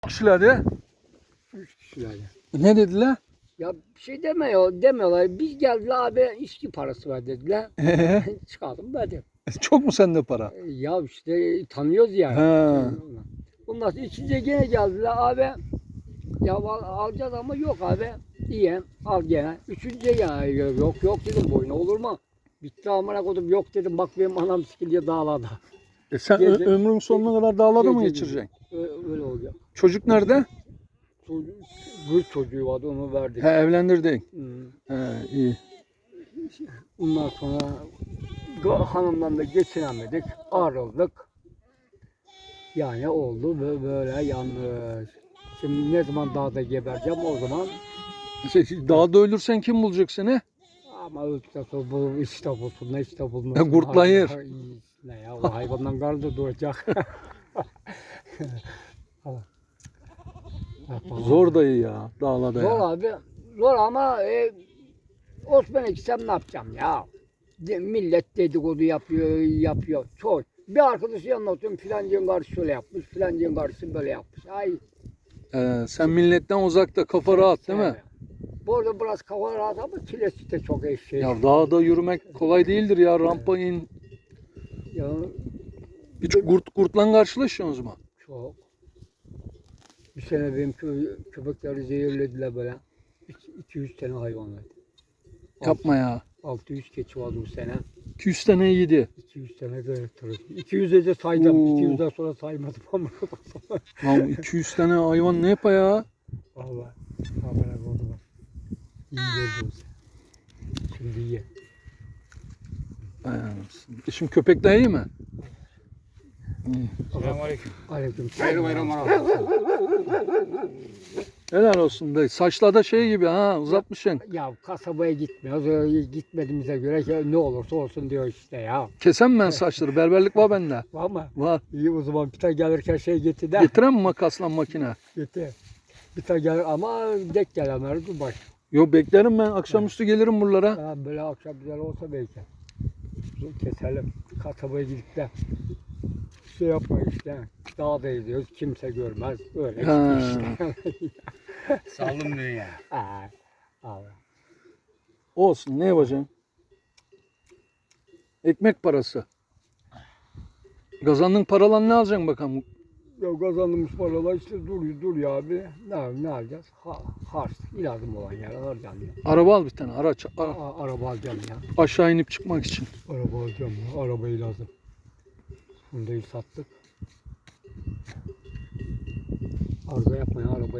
Kişiler ya. 3 kişiler ya. Ne dediler? Ya bir şey demiyorlar. Biz geldiler abi içki parası ver dediler. Çıkalım verdim. Çok mu sende para? Ya işte tanıyoruz ya. Ha. Bundan sonra ikinci gene geldiler abi. Ya alacağız ama yok abi. İyi al gene. Üçüncüye gene yok dedim boyuna olur mu? Bitti amına koydum yok dedim bak benim anam sikiliyor dağlarda. Sen Gece- ömrün sonuna kadar dağlarda mı Gece- geçireceksin? Öyle oluyor. Çocuk nerede? Kız çocuğu vardı onu verdik. He, evlendirdin. Hmm. İyi. Ondan sonra hanımdan da geçinemedik, ayrıldık. Yani oldu böyle yanlış. Şimdi ne zaman dağda gebereceğim o zaman Dağda ölürsen kim bulacak seni? ama ötüden sonra bu işte bulsun, ne işte bulmasın. Kurtlayır. Ne ya o hayvandan karnı doğacak. Zor dayı ya dağlarda Zor ya. abi, zor ama Osman'a gitsem ne yapacağım ya? Millet dedikodu yapıyor. Çok. Bir arkadaşı anlatıyorum filancığın karısı şöyle yapmış, filancığın karısı böyle yapmış. Ay. Sen milletten uzakta kafa rahat değil mi? Evet. Bu arada biraz kafa rahat ama çilesi de çok eşeği. Ya dağda yürümek kolay değildir ya, rampa in. Ya, Hiç kurtla karşılaşıyorsunuz mu? çok. Bir sene benim köpekleri zehirlediler böyle. 200 tane hayvan vardı. Yapma ya. 600 keçi vardı bu sene. 200 tane yedi. 200 tane de 200'e de saydım. Oo. 200'den sonra saymadım ama. Lan 200 tane hayvan ne yapa ya? Vallahi. Habere oldu bak. İyi geldi o sene. Şimdi iyi. Şimdi köpekler iyi mi? Selamünaleyküm. Aleyküm. Hayırlı bayramlar. Helal olsun dayı. Saçlar da şey gibi ha, uzatmışsın. Ya kasabaya gitmiyoruz. Öyle gitmediğimize göre ne olursa olsun diyor işte ya. Kesem ben saçları. Berberlik var bende. Var mı? Var. İyi o zaman bir tane gelirken şey getir de. Getiren mi makasla makine? Getir. Bir tane gelir ama dek gelenler dur bak. Yo, beklerim ben. Akşamüstü gelirim buralara. Ha, böyle akşam güzel olsa belki. Dur, keselim. Kasabaya gidip de şey yapma işte. Dağda gidiyoruz. Kimse görmez. Öyle Ha. işte. Sağlım dünya. Ha, Allah. Olsun, ne yapacaksın? Ekmek parası. Kazandığın paralan ne alacaksın bakalım? Ya kazandığımız paralar işte dur ya abi. Ne alacağız? Harç. İlazım olan yer alacağım ya. Araba al bir tane, araç. Araba alacağım ya. Aşağı inip çıkmak için. Araba alacağım ya. Arabayı lazım. Funda'yı sattık. Arıza yapmaya araba